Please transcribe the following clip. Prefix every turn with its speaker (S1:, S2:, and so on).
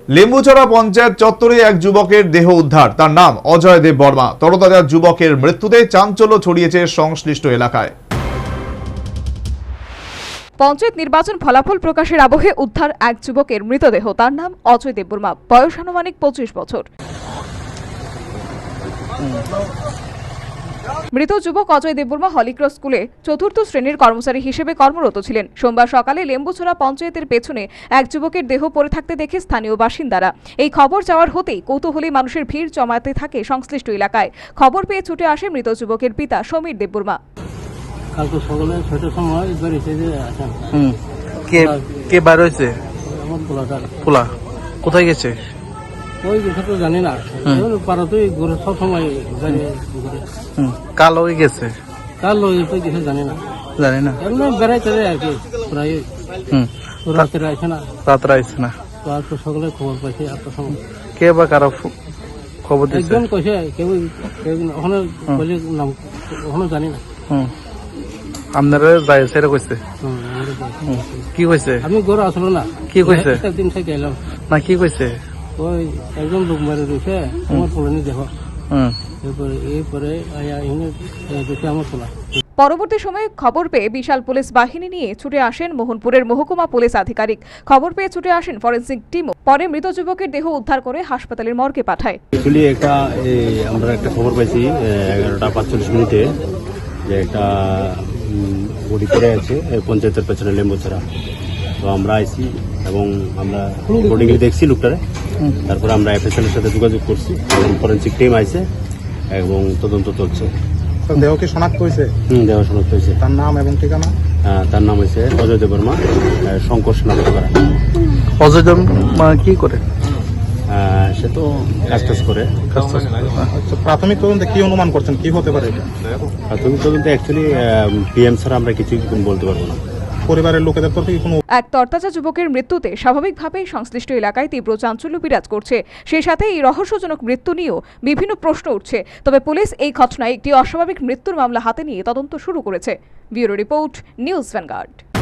S1: লেম্বুছড়া পঞ্চায়েত চত্বরে এক যুবকের দেহ উদ্ধার। তার নাম অজয় দেব বর্মা। তরতাজা যুবকের মৃত্যুতে চাঞ্চল্য ছড়িয়েছে সংশ্লিষ্ট এলাকায়।
S2: পঞ্চায়েত নির্বাচন ফলাফল প্রকাশের আবহে উদ্ধার এক যুবকের মৃতদেহ। তার নাম অজয় দেব বর্মা, বয়স আনুমানিক 25 বছর। মৃত যুবক অজয় দেববর্মা হলিক্রস স্কুলে চতুর্থ শ্রেণীর কর্মচারী হিসেবে কর্মরত ছিলেন। সোমবার সকালে লেম্বুছড়া পঞ্চায়েতের পেছনে এক যুবকের দেহ পড়ে থাকতে দেখে স্থানীয় বাসিন্দারা। এই খবর যাওয়ার হতেই কৌতূহলী মানুষের ভিড় জমাতে থাকে সংশ্লিষ্ট এলাকায়। খবর পেয়ে ছুটে আসে মৃত যুবকের পিতা সমীর দেববর্মা।
S3: কালকে সকালে 6টার সময়
S4: কে বার হয়েছে? পোলা কোথায় গেছে?
S3: ওই কথা তো জানি না, পাড়াতেই ঘুরে সব সময়
S4: কাল হয়ে গেছে,
S3: কার লোক গেছে জানি না এমনি বেড়াইতে আর কি, প্রায় রাত্রে আসে না,
S4: রাত্রে আসছে না।
S3: তো আর তো সকালে খবর পাইছে 8টার সময়।
S4: কে বা কারো খবর দিচ্ছে?
S3: একজন কইছে, কেউ ওখানে বলে নাম ওখানে জানি না।
S4: আপনারা যাই সেটা কইছে? কি কইছে?
S3: আমি ঘরে আসলো না।
S4: কি কইছে?
S3: একদিন থেকে এলাম
S4: না, কি কইছে?
S3: ওই একজন লোক মারে রয়েছে আমার পোলানি দেখো, এরপরে দেখে আমার পোলা।
S2: পরবর্তী সময়ে খবর পেয়ে বিশাল পুলিশ বাহিনী নিয়ে ছুটে আসেন মোহনপুরের মহকুমা পুলিশ আধিকারিক। খবর পেয়ে ছুটে আসেন ফরেনসিক টিমও। পরে মৃত যুবকের দেহ উদ্ধার করে হাসপাতালের মর্গে পাঠায়।
S5: আমরা একটা খবর পাইছি 11:45 যে একটা বডি পড়ে আছে পঞ্চায়েতের পেছনে লেম্বুছড়া। তো আমরা আইছি এবং আমরা বোর্ডিং এ দেখছি লোকটারে। তারপরে আমরা এফএসএল এর সাথে যোগাযোগ করছি এবং ফরেনসিক টিম আইছে এবং তদন্ত চলছে।
S6: দেহ কি শনাক্ত হয়েছে?
S5: দেহ শনাক্ত হয়েছে।
S6: তার নাম এবং ঠিকানা?
S5: তার নাম হয়েছে অজয় দেব বর্মা, শঙ্কর নামকরা।
S4: অজয় দেব কি করে?
S5: সে তো কাজ করে।
S6: আচ্ছা, প্রাথমিক তদন্তে কি অনুমান করছেন, কি হতে পারে এটা?
S5: প্রাথমিক তদন্তে অ্যাকচুয়ালি পিএম ছাড়া আমরা কিছুই বলতে পারবো না।
S6: পরিবারের লোকেদের তরফে কোনো
S2: এক তরতাজা যুবকের মৃত্যুতে স্বাভাবিকভাবেই সংশ্লিষ্ট এলাকায় তীব্র চাঞ্চল্য বিরাজ করছে। সেই সাথে এই রহস্যজনক মৃত্যু নিয়েও বিভিন্ন প্রশ্ন উঠছে। তবে পুলিশ এই ঘটনায় একটি অস্বাভাবিক মৃত্যুর মামলা হাতে নিয়ে তদন্ত শুরু করেছে। Bureau report, news vanguard.